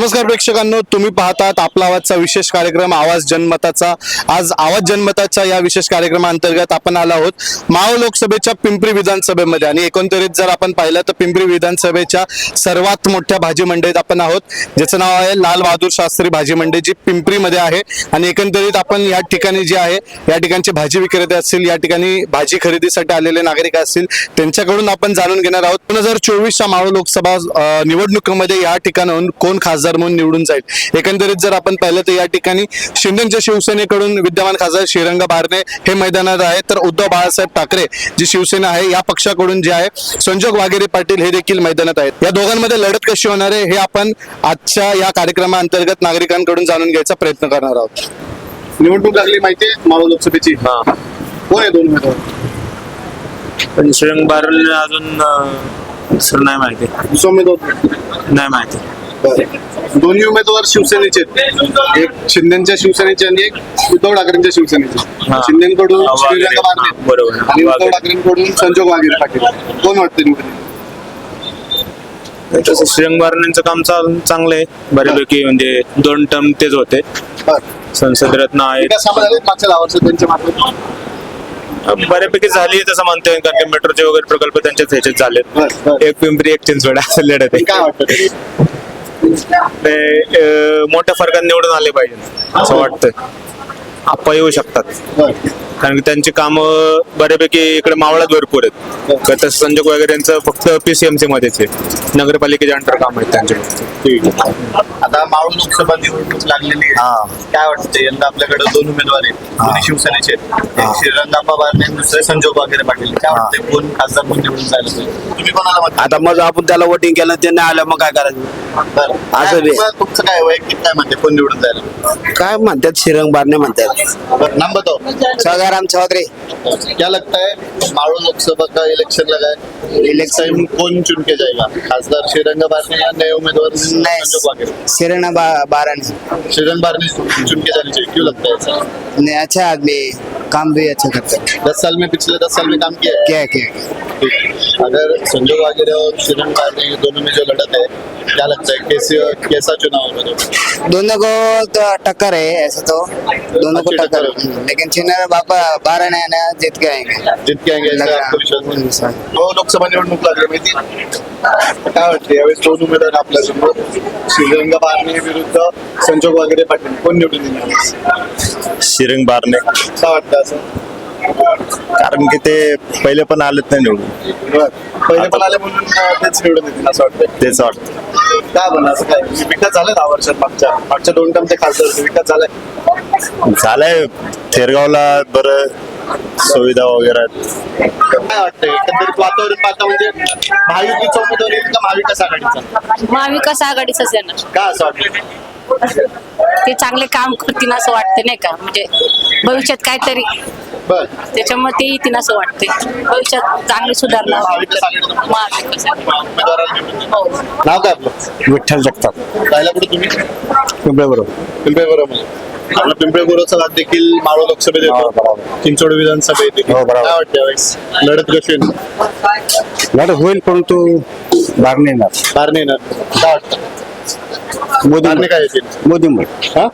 नमस्कार प्रेक्षकांनो, तुम्ही पाहतात आपला आवाजचा विशेष कार्यक्रम आवाज जनमताचा। आज आवाज जनमताच्या या विशेष कार्यक्रमाअंतर्गत आपण आलो आहोत मावळ लोकसभेच्या पिंपरी विधानसभेमध्ये। आणि एकंदरीत जर आपण पाहिलं तर पिंपरी विधानसभेच्या सर्वात मोठ्या भाजी मंडईत आपण आहोत, ज्याचं नाव आहे लाल बहादूर शास्त्री भाजी मंडई, जी पिंपरीमध्ये आहे। आणि एकंदरीत आपण या ठिकाणी जे आहे या ठिकाणचे भाजी विक्रेते असतील, या ठिकाणी भाजी खरेदीसाठी आलेले नागरिक असतील, त्यांच्याकडून आपण जाणून घेणार आहोत 2024च्या मावळ लोकसभा निवडणुकीमध्ये या ठिकाणाहून कोण खासदार म्हणून निवडून जाईल। एकंदरीत जर आपण पाहिलं तर या ठिकाणी शिंदेच्या शिवसेनेकडून विद्यमान खासदार श्रीरंग बारणे हे मैदानात आहे, तर उद्धव बाळासाहेब ठाकरे जी शिवसेना आहे या पक्षाकडून जे आहे संजोग वाघेरे पाटील हे देखील मैदानात आहेत। या दोघांमध्ये लढत कशी होणार आहे हे आपण आजच्या या कार्यक्रमाअंतर्गत नागरिकांकडून जाणून घ्यायचा प्रयत्न करणार आहोत। निवडणूक लागली माहिती आहे मावळ लोकसभेची, कोण आहे दोन उमेदवार? पण श्रीरंग बारणे अजून दुसरं नाही माहिती, दुसरा उमेदवार नाही माहिती। दोन्ही उमेदवार शिवसेनेचे आहेत, एक शिंदेच्या शिवसेनेचे आणि एक उद्धव ठाकरेंच्या शिवसेनेचे। शिंदेकडून श्रीरंग बारणे बरोबर आणि उद्धव ठाकरेंकडून संजोग वाघेरे पाटील, कोण वाटते निवडून? तसं श्रीरंग बारणेंचं काम चांगलं आहे बऱ्यापैकी, म्हणजे 2 टर्म तेच होते, संसद रत्न आहे, मागच्या 10 वर्षात त्यांच्या मागे बऱ्यापैकी झाली तसं म्हणतोय, कारण की मेट्रोचे वगैरे प्रकल्प त्यांच्याच ह्याच्यात झालेत। एक पिंपरी एक चिंचवड असं लढत आहे। काय वाटतं मोठ्या फरकात निवडून आले पाहिजे असं वाटतंय, आप्पा येऊ शकतात, कारण की त्यांची कामं बऱ्यापैकी इकडे मावळात भरपूर आहेत। तसं संजोग वगैरे यांचं फक्त PCMC मध्येच आहे, नगरपालिकेच्या अंडर काम आहेत त्यांचे। आता मावळ लोकसभा निवडणूक लागलेली आहे, काय वाटतं यंदा आपल्याकडे 2 उमेदवार आहेत, दोन्ही शिवसेनेचे, एक श्रीरंगाप्पा बारणे आणि दुसरे संजोग वाघेरे पाटील। काय वाटतं कोण खासदार म्हणून निवडून जायला पाहिजे? तुम्ही कोणाला मत? आता मग आपण त्याला वोटिंग केलं, ते नाही आलं मग काय करायचं? असं बी. तुमचं काय वैयक्तिक काय म्हणते कोण निवडून जायला? काय म्हणतात, श्रीरंग बारणे म्हणतात। नाम बताओ। सगाराम चौधरी। क्या लगता है मावळ लोकसभा का इलेक्शन लगा है, इलेक्शन कौन चुन के जाएगा, खासदार श्रीरंग बारणे या नए उम्मीदवार संजोग वाघेरे? श्रीरंग बारणे। श्रीरंग बारणे चुन के जानी चाहिए, क्यों लगता है ऐसा? नहीं, अच्छा आदमी, काम भी अच्छा करता है। 10 साल में, पिछले 10 साल में काम किया है। क्या अगर संजोग वाघेरे और श्रीरंग बारणे दोनों में जो लड़त है, क्या लगता है कैसा चुनाव होगा? दोनों को तो टक्कर है, ऐसे तो दोनों को अच्छी टक्कर टक्कर है, लेकिन चिन्ह बाबा बारणे है ना, जीत के आएंगे। जीत के आएंगे ऐसा आपको विश्वास है? तो लोकसभा निवडणूक लागली माहिती, काय वाटते यावेळेस 2 उमेदवार आपल्यासमोर, श्रीरंग बारणे विरुद्ध संजोग वाघेरे पाटील, कोण निवडून येणार? श्रीरंग बारणे, काय वाटतं असं? कारण की ते पहिले पण आलेत नाही निवडून, पहिले पण आले म्हणून तेच निवडून येतील असं वाटतं? तेच वाटतं। काय म्हणा असं काय विकास झालाय 10 वर्षात? मागच्या 2 टर्म ते खासदार होते, विकास झालाय? झालंय, थेरगावला बरं सुविधा वगैरे आहेत। काय वाटतंय एकंदरीत वातावरण पाहता, म्हणजे महायुतीचा उमेदवार येईल का महाविकास आघाडीचा? महाविकास आघाडीचाच येणार, का असं वाटतं? ते चांगले काम करतील असं वाटतं नाही का, म्हणजे भविष्यात काहीतरी बर, त्याच्यामुळे ते येतील असं वाटते, भविष्यात चांगली सुधारणा महाविकास आघाडीचा महाविकास आघाडी. उमेदवाराला निवडून देईल. हो. नाव काय आपलं? विठ्ठल जगताप, राहिला कुठे तुम्ही? पिंपळे बरोबर। पिंपळे बरोबर। आपला पिंपळे गुरुचा भाग देखील मावळ लोकसभेत येतो, चिंचवड विधानसभेत देखील। हो, बरोबर. काय वाटतं यावेळेस लढत कशी होईल? लढत होईल, परंतु बारणे येणार, बारणे येणार, काय वाटतं? बारणे काय येतील? मोदी हा?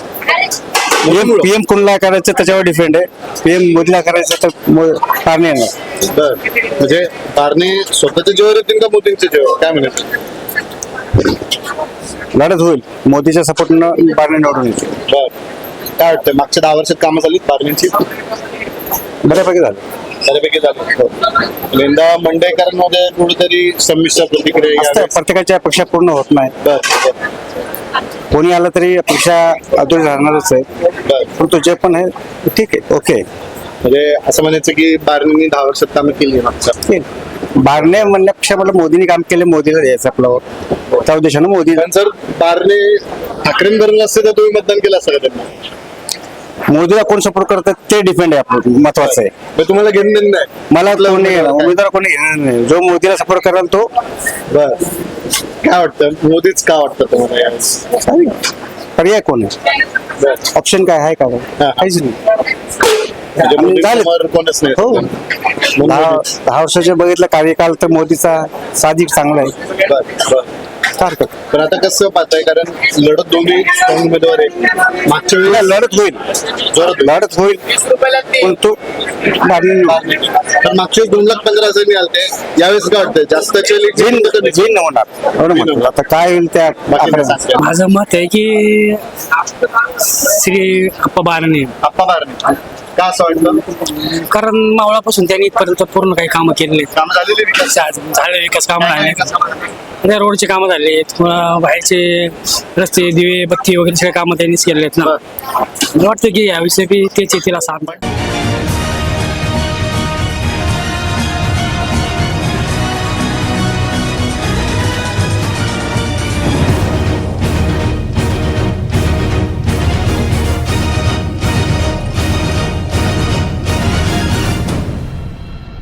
PM कोणला करायचं त्याच्यावर डिपेंड आहे, PM मोदीला करायचं तर बारणे येणार। बर, म्हणजे बारणे स्वतःच्या जीवावर येतील का मोदींच्या जीवावर, काय म्हणायचं? लढत होईल, मोदीच्या सपोर्टनं बारणे निवडून येते। बर, काय वाटतं मागच्या 10 वर्षात कामं झालीत बारणेंची? बऱ्यापैकी झालं, बऱ्यापैकी झाली। यंदा मंडईकरांमध्ये कुठेतरी संमिश्र प्रतिक्रिया असतं, यावेळेस. प्रत्येकाच्या अपेक्षा पूर्ण होत नाही, बर, बर, कोणी आलं तरी अपेक्षा अधुरी राहणारच आहे, बर. परंतु जे पण आहे ठीक आहे, ओके। म्हणजे असं म्हणायचं की बारणेंनी 10 वर्षात कामं केली आहे मागच्या. बारणे म्हणण्यापेक्षा मला मोदींनी काम केले, मोदीला द्यायचं आपल्यावर, त्या उद्देशानं मोदी। पण जर बारणे ठाकरेंबरोबर असते तर तुम्ही मतदान केलं असतं का त्यांना? मोदीला कोण सपोर्ट करतात ते डिपेंड आहे, आपलं महत्वाचं आहे। मग तुम्हाला घेणं देणं नाही? मला कोणी उमेदवार कोणी घेणार नाही, जो मोदीला सपोर्ट कराल तो। बर, काय वाटतं मोदीच का वाटतं तुम्हाला यावेळेस? पर्याय कोण आहे, बर, ऑप्शन काय आहे का? हा. काहीच नाही। म्हणजे आणि झालं. मोदींसमोर कोणच नाही. हो, म्हणून 10 वर्षाचे बघितलं कार्यकाल तर मोदीचा साधिक चांगला आहे। बर, बर. सारखं पण आता कसं पाहताय, कारण लढत दोन्ही strong उमेदवार आहे. मागच्या वेळेस लढत होईल, जोरात लढत होईल, पण तो भारी पण मागच्या वेळेस 2,15,000 मिळाले. यावेळेस काय वाटतंय, जास्तचे जिन होणार एवढं म्हणतो. आता काय होईल त्या आकड्यावर. माझं मत आहे की श्री अप्पा बारणे, आप्पा बारणे का असं वाटतं? कारण मावळापासून त्यांनी इथपर्यंत पूर्ण काही कामं केलेली काम झालेले विकास झाले, विकास कामं झाले, त्या रोडचे कामं झाले, बाहेरचे रस्ते, दिवे, बत्ती वगैरे सगळे कामं त्यांनीच केलेले आहेत ना. मला वाटतं की याविषयी तेच येतील असं